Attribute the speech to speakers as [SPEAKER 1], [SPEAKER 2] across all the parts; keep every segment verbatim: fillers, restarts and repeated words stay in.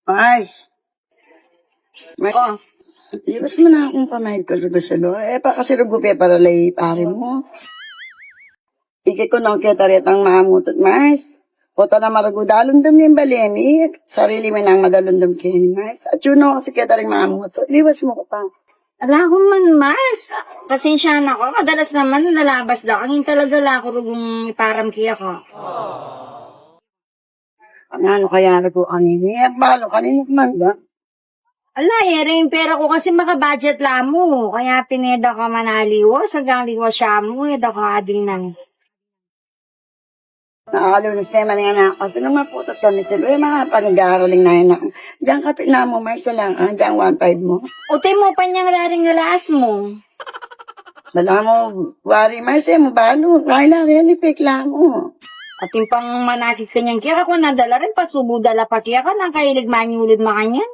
[SPEAKER 1] Mars! Mars,
[SPEAKER 2] Oh,
[SPEAKER 1] iwas mo na akong pamahid ko sa salo. Eh, pa kasi rugupi para lay pare mo. Ikay ko nang ketarit ang maamutot, Mars. Oto na maragudalundam ni balemi. Sarili mo nang madalundam kini, Mars. At yun ako kasi ketaring maamutot. Liwas mo ko pa.
[SPEAKER 2] ala ko man, Mars. Pasensya na ko. Kadalas naman nalabas da. Ang talaga la ko rugong iparam kiya ko.
[SPEAKER 1] Ano kaya na ko kanini? At balo kanini man ba?
[SPEAKER 2] Ala, ere yung pera ko kasi maka-budget la mo. Kaya pineda ka manaliwas. Hanggang liwas siya mo. Eda ka adinan.
[SPEAKER 1] Nakakalunos naman nga na kasi nung maputot kami sila, eh, mga panag-aaraling na yun ako. Diyan kapit na mo, Mars, lang, ah, diyan one five mo.
[SPEAKER 2] Ute mo pa niyang laring galas mo.
[SPEAKER 1] Dala mo, wari, Mars, eh, mabalo. Kaya na rin, ipik lang mo.
[SPEAKER 2] At yung pang manakit kanyang kaya ko nadala rin. Pasubo dala pa kaya ka. Nang kailig manyulid makanyan.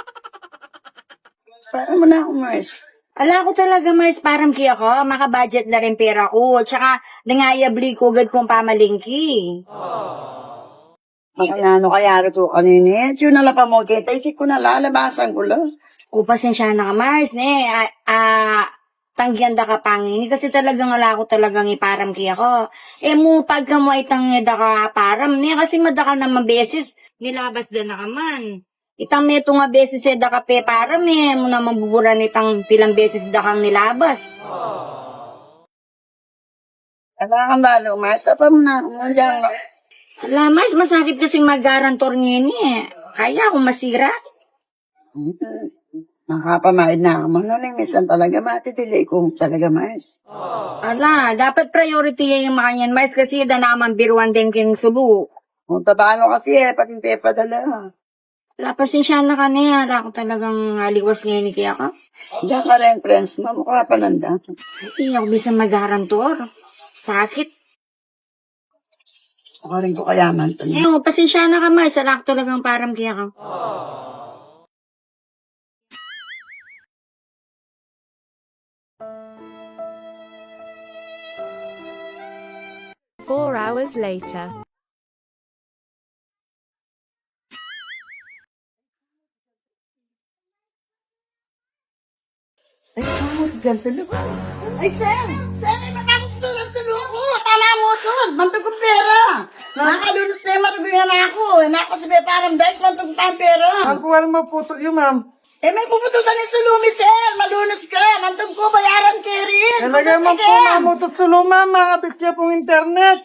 [SPEAKER 1] Para mo na ako, Mars.
[SPEAKER 2] Ala ko talaga, Mars, parang kaya ko, maka-budget na rin pera ko. Tsaka, nangayabli ko agad kong pamalingki.
[SPEAKER 1] Makinano kaya rin ko kanini. At yun nala pa mo, kita, ikik ko na lalabasan ko lang.
[SPEAKER 2] O, pasensya na ka, Mars, ne. Ah, ah, tanggihan da ka pangini. Kasi talagang ala ko talagang iparam kaya ko. Eh, mo, pagka mo ay tanggihan da ka param, ne. Kasi madakal naman beses, nilabas da na ka man. Itang meto nga beses eh da ka pe param, eh. Mo naman buburan itang pilang beses da kang nilabas.
[SPEAKER 1] Ala kang balo, Mars. Apa mo na ako, diyan.
[SPEAKER 2] Ala, Mars, masakit kasing mag-garantor niya ni eh. Kaya akong masira.
[SPEAKER 1] Nakapamahid na ako. Manuling misan talaga, matitili ko talaga, Mars.
[SPEAKER 2] Ala, dapat priority yung makanyan, Mars, kasi da naman biruan din king subo.
[SPEAKER 1] Kung tabano kasi eh, pag hindi pa dala.
[SPEAKER 2] Ala, pasensya na ka na. Ala, ako talagang aliwas ngayon ni kaya ka.
[SPEAKER 1] Diyan ka rin, friends mo. Mukha pa nanda.
[SPEAKER 2] Hindi ako bisa mag-garantor. Sakit.
[SPEAKER 1] Mukha rin ko kayaman.
[SPEAKER 2] Eh, oh, pasensya na ka, Mars. Ala, ako talagang param kaya ka.
[SPEAKER 3] Four hours later.
[SPEAKER 1] Ay, kamot dyan sa lupa. Ay, Sam! Sam, ay makakasulat sa lupa. Tama mo ito. Bantog ko pera. Nakakalunos na yung maruguyan ako. Nako si Beparang Dice, bantog pa ang pera.
[SPEAKER 4] Ang kuwal maputo yun, ma'am.
[SPEAKER 1] Eh, may pupututan ni Sulumi, sir. Malunos ka. Bantog ko, bayaran kay rin.
[SPEAKER 4] Talaga man po mamutot sa luma, mga bitya pong internet.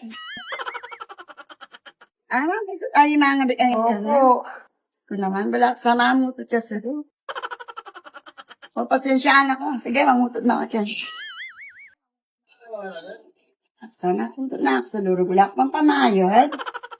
[SPEAKER 1] Ah, ay, mga big ang internet.
[SPEAKER 4] Opo.
[SPEAKER 1] Kung naman, balak sama mo ito siya sa lupa. O, pasensyaan ako. Sige, mamutot na ako dyan. Sana putot na ako sa luro. Wala ko pang pamayod.